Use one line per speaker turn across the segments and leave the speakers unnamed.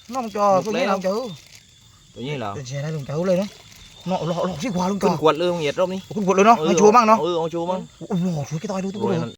น้องจอตัวนี้น้องจื้อ
ตัวนี้เหรอ
เสียได้ลุงจื้อเลยเนาะเนาะหล่อสิกว่าลุงจอ
ขึ้นขวดเลยมึงเหยียดรอบนี้
ขึ้นขวดเลยเนาะให้โชว์มั่งเนาะ
เอาโชว์มั่ง
โอ้โหช่วยกี่ต่อยดูทุกคน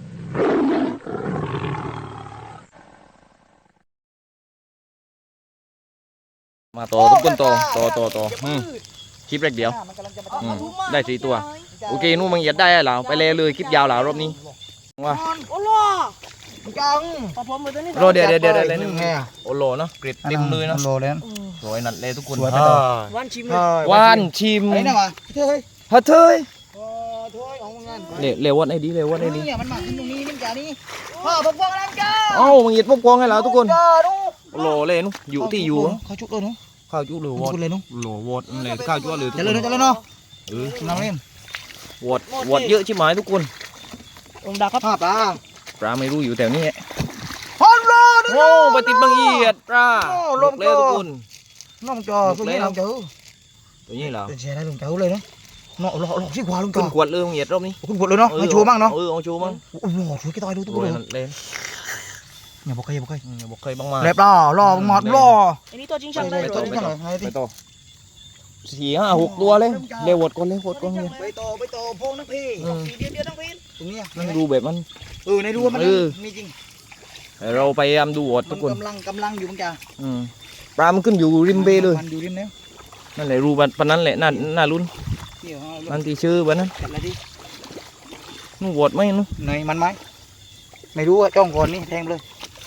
มาต่อทุกคนต่อคลิปแรกเดียวได้4 ตัวโอเคนู่นมึงเหยียดได้แล้วไปเลยคลิปยาวแล้วรอบนี้ว่า
โอ้ล่อจัง
รอเดี๋ยวไงโอโลเนาะเกรดเต็มเลยเนาะ
โลเลย
สวยนัดเลยทุกคน
วันชิม
อะไรนะวะ
เฮ้ย
เฮ้ย
ของงาน
เร็ววัดไอ้ดี
มันมาตรงนี้มันจ่านี่พ่อพกวงอะไรจ้า
มึงเหยียดพวกกองให้แล้วทุกคนโอโลเลยนุอยู่ที่อยู่
ข้าวจุกเลยนุ
ข้าวจุหรือวอด
เลยนุ
โลวอดเลยข้าวจุหรือ
จะเลยเนาะน้ำเล่น
วอดเยอะใช่ไหมทุกคน
องดาครับ
ปลาไม่รู้อยู่แถวนี้
ฮัลโหล
ไปติดบังเอียดปลาลงเลยทุกคน
น้องจอตัวนี้น้องจื้อ
ตัวนี้เหรอ
เสียได้ลุงจื้อเลยเนาะเนาะหล่อสิกว่าลุงจอ
ขึ้นขวดเลยมึงเหยียดรอบนี้
ขึ้นขวดเลยเนาะให้โชว์มั่งเนาะ
เอาโชว์มั่ง
โอ้โหช่วยกี่ต่อยดูทุกคน
เลย
อย่าบอกใคร
บ้างมา
เล็บล่อหมดล่อ
อันนี้ตัวจริงช่างเลย
ไปต่อ4 5 6 ตัวเลยเร็ววดก่อนเลย
ไปต่อพงนักพี่เดียวนักพี่ตรงนี้
นั่งดูแบบมัน
ในดูมันมีจริง
เราไปดูวดทุกคน
กำลังอยู่มั้งจ้า
ปลามันขึ้นอยู่ริมเบเลย
มันอยู่ริมแล้ว
นั่นแหละรูปนั้นแหละน่าลุ้นนั่นที่ชื่อวันนั้นนู่นวดไหมนู่น
ไหนมันไหมไม่รู้อะจ้องก่อนนี่แทงเลย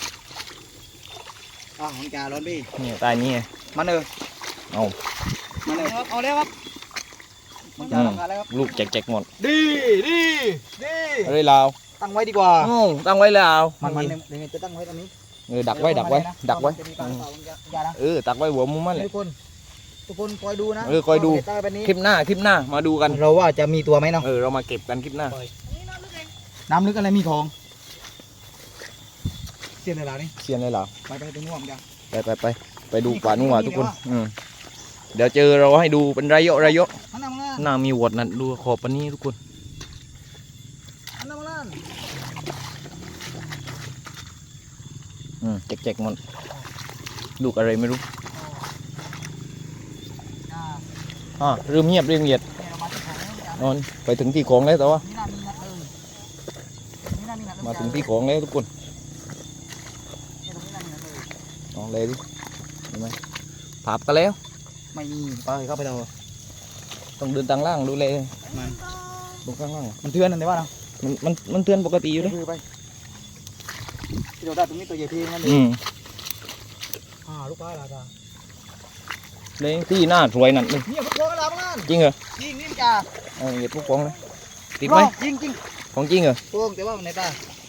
ของจ่าร้อนพี่
เนี่ยตายนี่
มัน
เอา
แล้วครับมันจ่าทำงานแล้วครับ
ลูกแจกหมด
ดี
อะไรลาว
ตั้งไว้ดีกว่า
ตั้งไว้แล้ว
มันเดี๋ยวจะตั้งไว้ตรงนี้
ดักไว้ตักไว้หัวมุมมันเลย
ทุกคนคอยดูนะ
คอยดูคลิปหน้ามาดูกัน
เราว่าจะมีตัวไหมเนาะ
เรามาเก็บกันคลิปหน้า
น้ำลึกอะไรมีของเสียนอะไรนี่
เสียนเลยเหรอ
ไปนู่นกัน
ไปดูป่านู่นทุกคนเดี๋ยวเจอเราให้ดูเป็นระยะน่ามีวดนั่นดูขอบปันนี้ทุกคนแจกมันลูกอะไรไม่รู้เริ่มเงียบเรื่องเหยียดนอนไปถึงที่ของแล้วแต่ว่ามาถึงที่ของแล้วทุกคนลองเลยดิเห็นไหมผับกันแล้ว
ไม่มีไปเข้าไป
ต้องเดินทางล่างดูเลย
มัน
ลงข้างล่าง
มันเทือนอะไรวะเนาะ
มันเทือนปกติอยู่เลย
ที่เราได้ตรงนี้ตัวใหญ่เพียงนั่นเองลูกปลาอะไรจ้า
เลยที่หน้าสวยนั่นเลย
เนี่ยพวกของอะไรบ้าง
จริงเหรอ
จริงนี่จ้า
เหยียดพวกของเลยติดไหม
จริง
ของจริงเหรอ
พวกแต่ว่าในตา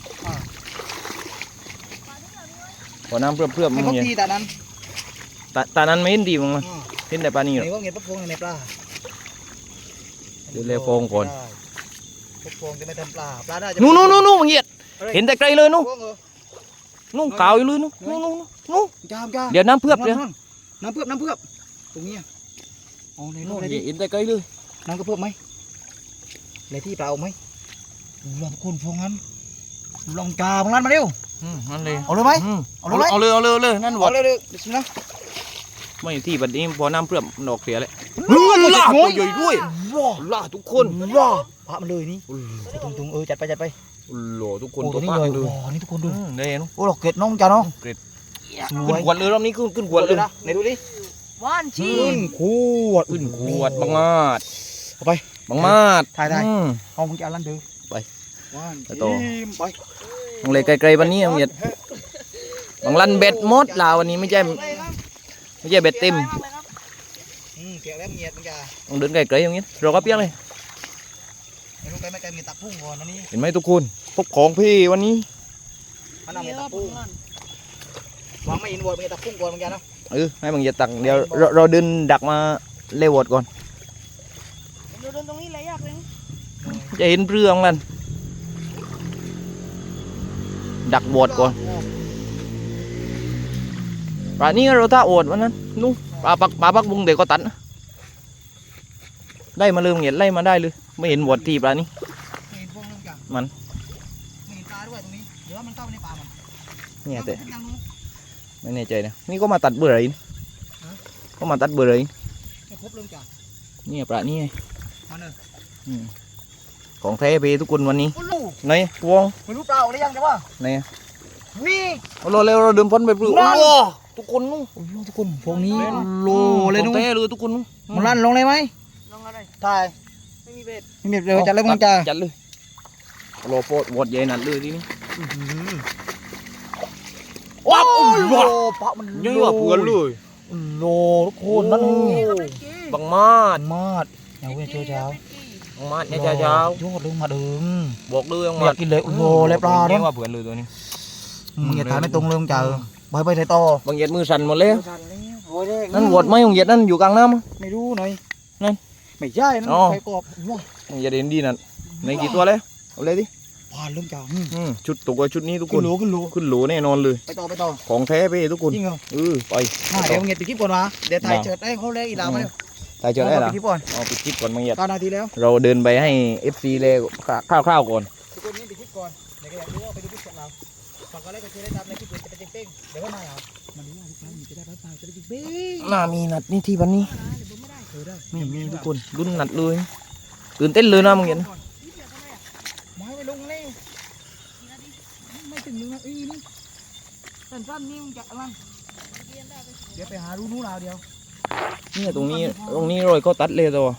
ขอน้ำเพื่อ
ไม่พบทีตา
นั้นไม่เห็นดีมั้งเห็นแต่ปลานี่เหรอ
ในว่าเงี้ยพวกในปลา
เดี๋ยวเลี้ยฟองก่อน
พวกจะไม่ทำปลาได้
นู่มึงเหยียดเห็นแต่ไกลเลยนู่ขาวอยู่เลยนู่
จ้า
เดี๋ยวน้ำเพื่อ
น้ำเพื่อตรงนี้
ในนู่นเห็นแต่ไกลเลย
น้ำก็เพื่อไหมเลยที่เปล่าไหมลองคนฟงนั้นลองกาบางนั้นมาเร็ว
นั่นเลย
เอาเลยไหม
เอาเลยนั่นวด
เลยนะ
ไม่ที่บัดนี้พอน้ำเพื่อดอกเสียเลยล่าตัวใหญ่ด้วยล่าทุกคน
ล่าพระมันเลยนี่ตรงจัดไป
หล่อทุกคน
ตัวนี้เลยนี่ทุกคนดู
เนี่ยเนาะ
โอ้ดอกเกล็ดน้องจ้าเนาะ
เกล็ดขึ้นขวดเลยรอบนี้ขึ้นขวดเลย
ไหนดูดิ
ว่านชี
ขวด
บังมาด
ไป
บังมาด
ถ่ายห้องมึงจะเอาลั่นดู
ไป
ว่าน
ต่อ
ไป
มึงเลยไกลๆวันนี้มึงเหยียดบังลั่นเบ็ดมดลาววันนี้ไม่ใช่เบ็ดเต็ม
เกี่ยวแล้วเงียบมึงจ้า
ต้องเดินไกลๆอย่างนี้เราก็เปี้ยเลย
ไม่ไกลมีตักพุ่งก่อนนี่
เห็นไหมทุกคนพบของพี่วันนี้
มันเอาตักพุ่งวางไม่อินวอดมีตักพุ่งก่อนมึงจ้าเนาะ
ให้มึงอย่าตักเดี๋ยวเราเดินดักมาเล่วอดก่อน
เดินตรงนี้เลยยากเลย
จะเห็นเรื่องนั่นดักวอดก่อนปลานี้เราถ้าอดวันนั้นนู้ปลาปักบุงเด็กก็ตัดได้มาเลยมึงเห็นไล่มาได้เลยไม่เห็นวอดที่ปลานี้มัน
เห็นปลาด้วยตรงนี้หรือว่ามันเข้าในป่ามัน
เนี่ยแต่ไม่แน่ใจนะนี่ก็มาตัดเบอร์อะไรนะก็มาตัดเบอร์อะไร
ไม่พบเรื่องจ้ะ
นี่ปลานี่ไง
มาเนอะ
ของแท้ไปทุกคนวันนี้
โอ้ลูก
ไหนวง
ไม่รู้เปล่าหรือยังแต่ว่า
ไหนอะ
นี่
เอาเราเร็วเราเดินพ้นไปปลื้ม
นั่น
โอ้ทุกคนนู้น
โอ้โหทุกคนพวกนี้
น
โลเลย
ข
นู้
อง
น
แท้เลยทุกคนนู้น
มันลั่นลงเลยไหม
ลงอะไร
ถ่าย
ไม่มีเบ็ด
ไม่มีเร็วจัดเลยมึงจ้า
จัดเลยโลโปดวอดใหญ่หนัดเลยทีนี้
ว้าว
โอ้ย
โลปะมัน
ยังว่าเพื่อนเลย
โลทุกคนนั่น
นี่ก็เป็นกี้
บังมาด
มาดอย่าเว้ยเจ้าเช้า
บังมาดเนี่ยเช้าย
อดเลยมาดึง
บอกเลยบัง
อ
มาด
ยากกินเลยโอ้โหเล็บปลา
เนี่
เนี่ย ย
ว่าเพื่อนเลยตัวนี้
มึงอย่าถ่ายไม่ตรงเลยมึงจ้าไปถ่ายต่อบ
างเหยียดมือสั่นหมดแล้ว
โอ้ยเด็ก
นั่นวอดไหมบางเหยียดนั่นอยู่กลางน้ำมั้ง
ไม่รู้หน่อย
นั่น
ไม่ใช่นั่น
อ๋อ
ไฟกรอบว้า
บางเหยียดเห็นดีนั่นในกี่ตัวแล้วเอาเลยดิ
ผ่านเรื่องจ้า
ชุดตัวชุดนี้ทุกค
ขึ้
น
นโหลขึ้นโหล
ขึ้นโหลแน่นอนเลย
ไปต่อ
ของแท้ไปทุกคน
จริงเหรอ
ไป
มาเดี๋ยวมึงเงียบปิดคลิปก่อนวะเดี๋ยวถ่ายเจิดให้เขาเลยอีหลามาเร็ว
ถ่ายเจอได้เหรอ
ปิดคลิปก่อน
เอาปิดคลิปก่อนบางเหยียด
9 นาทีแล้ว
เราเดินไปให้ FC เลยคร่าวๆก่อน
ทุกคนนี่ปิดคลิปก่อนเดี๋ยวก็อยากรู้ว่าไปดูคลิปของเราฝากกดไลค์กดแชร์ได้ตามในคลิปอื่นจะเป็นเป้งเดี๋ยวก็มาเอามาดูว่าทุกครั้งจะได้รับฟังจะได้เป้ง
น่ามีนัดนี่ที่วันนี้
ได้
ไม่มีทุกคนรุ่นนัดเลยตื่นเต้นเลยนะบางเหยียด
ไม้ไปลงเลยไม่ถึงนึงนะนี่สั้นๆนี่มึงจะอะไรเดี๋ยวไปหารู้นู้นเอาเดียว
เนี่ยตรงนี้รอยก็ตัดเลยตัว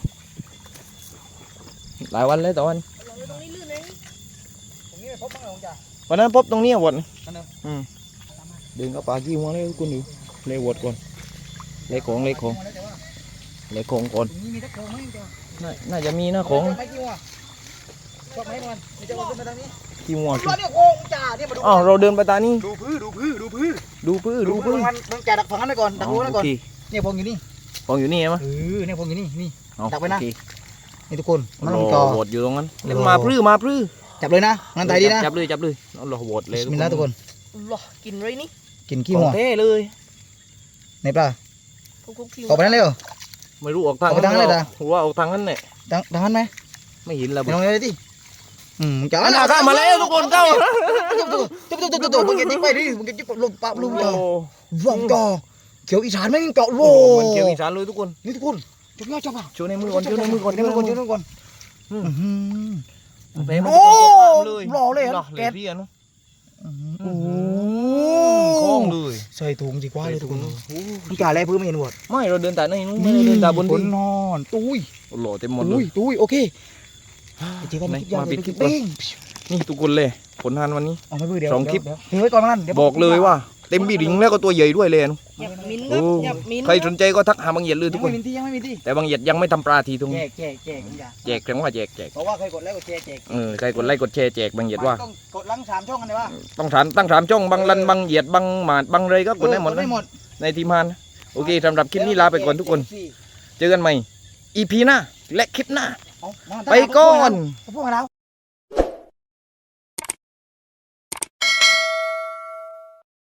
หลายวันเลยแต่วัน
ตรงนี้ลื่นเอง
ตรงนี้ไปพบบ้างเหรอจ้ะ
วันนั้นพบตรงนี้วอด
นั่นเนอะ
เดินเข้าป่าขี้หัวเลยทุกคนอยู่เลยวอดก่อนเลยของ
มาแล้วแต่ว่า
เลยของก่อน
ตรงนี้มีตะโกงไหมจ้ะ
น่าจะมีนะของ
ไม่กี่วะชอบไหมก่อนมีจะโกงขึ้นมาทางนี้
ขี้หัว
รอเนี่ยโกงจ้าเนี่ยมาดู
อ้าวเราเดินไปตานี่
ดูพื้น
ดูพื้น
มันมึงจ่าดักฝั่งนั้นไปก่อนดักรู้นั้นก่อน
โอเค
เนี่ยพงอยู่นี่
ของอยู่นี่ใช่ไหม
เนี่ยพงอยู่นี่นี่
เอา
ดักไว้นะ
โอเค
นี่ทุกคนมัน
ร
ต้อง
อ
จอ
โหวตอยู่ตรงนั้น
รอ
มาพลื้อ
จับเลยนะงั้นถ่ายดีนะ
จับเลยเอารอโหวตเลย
มินแล้วทุกคน
หรอกินเลยนี่
กินขี้
ขอ
หั
ง
ว
เท่เลย
ในปลา
คุกๆคิว
ออกไปนั้นเลยเหรอ
ไม่รู้ออกทาง
ออกไปทางนั้นเลยเหรอ
หัวออกทางนั้นเนี่ย
ดังนั้นไหม
ไม่เห็นแล้ว
ไปลองเลยดิจ้า
อันน่ะเข้ามาแล้วทุกคนเข้า
ตุ๊บมึงยิงไปดิมึงยิงลมปั๊บลม
โอ้
จ่อว่องจ่อเขียวอีสานไม่ยิงเจาะโล
โหมันเกี่ยวอีสานเลยทุกคน
นี่ทุกคนจับยอดจับอ่ะ
โชว์ในมือก่อนโชว์ในมือก่อน
เดี๋ยวก่อนเดี๋ยวก่อน
เต็ม
โอ้
เลย
หล่อเลย
หล่อ
อะ
เล
แก๊
ย
ส
พี่เนาะ
โอ้โห
คล้องเลย
ใส่ถุงจีกว่าเลยทุกคน
โอ้
พี่กาแลพื้นไม่เห็นหมด
ไม่เราเดินแต่ในนู้นไม่ได้เดินแต่บน
ฝ
ดิ
น
น
นอนตุ้ย
หล่อเต็มหมดเล
ตุ้ย
ย
โอเคไปเจอกันในคลิปยาว
มาปิด
ใน
คลิป
เป้ง
นี่ทุกคนเลยผลงานวันนี้
เอาไม่เบื่อเดี๋ยว
สองคลิป
เดี๋ยวไว้ก่อนนั่นเดี๋ยว
บอกเลยว่าเต็มบีดิงแล้วก็ตัวใหญ่ด้วยเลยนะ
หยับมิ้น
โอ้
หยับมิ้น
ใครสนใจก็ทักหาบางเหยียดเลย
ยั
ทุ
ง
กค
ไม่
น
มีที่ยังไม่มีที่
แต่บางเหยียดยังไม่ทำปลาทีตรง
แจ
นี้
กอย่า
แจกแข็งว่าแจก
เพราะว่าเคยกดไลค์กดแชร์แจก
ใครกดไลค์กดแชร์แจกบางเหยียดว่า
ต้องกดลัง3ช่องกันเลยว่า
ต้องตั้งถามจ้องบางลันบางเหยียดบางหมาดบางเลยก็กดได้หมด
ได้
นะ
หมด
ในทีมงานโอเคสำหรับคลิปนี้ลาไปก่อนทุกคน เจอกันใหม่ EP หน้าและคลิปหน้า
เอามา
ไปก่อน
พวกเรา